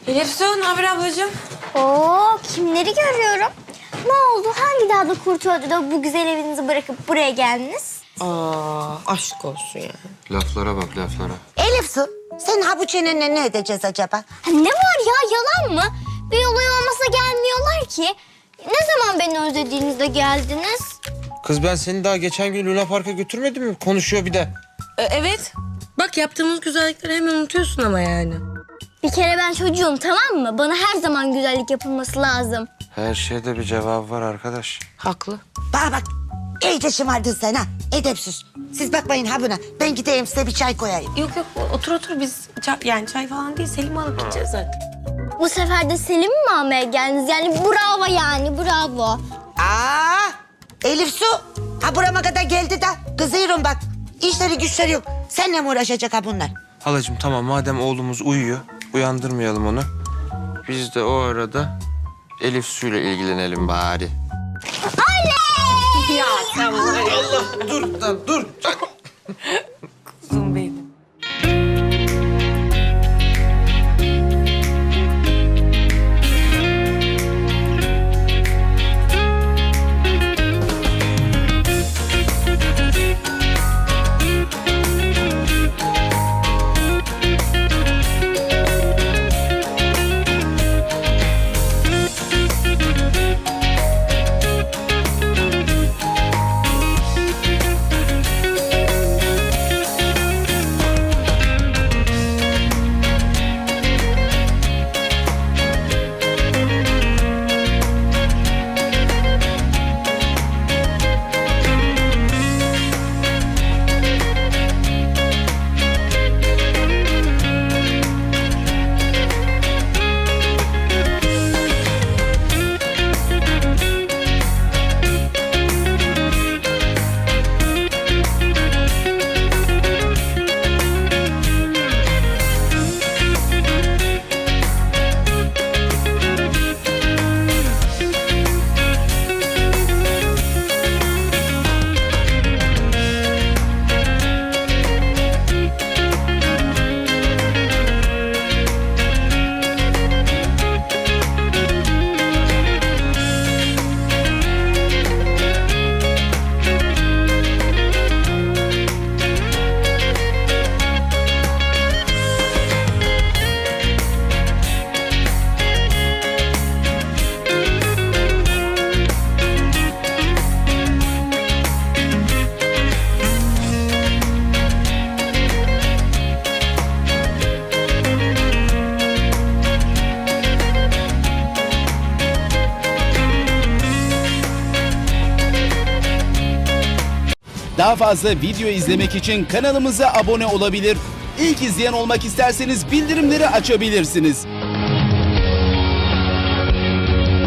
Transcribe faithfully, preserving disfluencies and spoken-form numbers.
Elif Su, ne haber ablacığım? Oo, kimleri görüyorum? Ne oldu? Hangi dağda kurt öldü de bu güzel evinizi bırakıp buraya geldiniz? Aa, aşk olsun ya. Laflara bak laflara. Elif Su, sen ha bu çenenle ne edeceğiz acaba? Ha, ne var ya, yalan mı? Bir olay olmasa gelmiyorlar ki. Ne zaman beni özlediğinizde geldiniz? Kız ben seni daha geçen gün Luna Park'a götürmedim mi? Konuşuyor bir de. Ee, evet. Bak yaptığımız güzellikleri hemen unutuyorsun ama yani. Bir kere ben çocuğum, tamam mı? Bana her zaman güzellik yapılması lazım. Her şeyde bir cevap var arkadaş. Haklı. Bana bak, iyice şımardın sen ha. Edepsiz. Siz bakmayın ha buna. Ben gideyim size bir çay koyayım. Yok yok, otur otur biz çay, yani çay falan değil, Selim'i alıp gideceğiz zaten. Bu sefer de Selim'i mi almaya geldiniz? Yani bravo yani, bravo. Aa, Elif Su, ha burama kadar geldi de kızıyorum bak. İşleri güçleri yok. Seninle mi uğraşacak ha bunlar? Halacığım tamam madem oğlumuz uyuyor, uyandırmayalım onu. Biz de o arada Elif Su'yla ilgilenelim bari. Ya sen var ya. Dur lan dur. Kuzum benim. Daha fazla video izlemek için kanalımıza abone olabilir. İlk izleyen olmak isterseniz bildirimleri açabilirsiniz.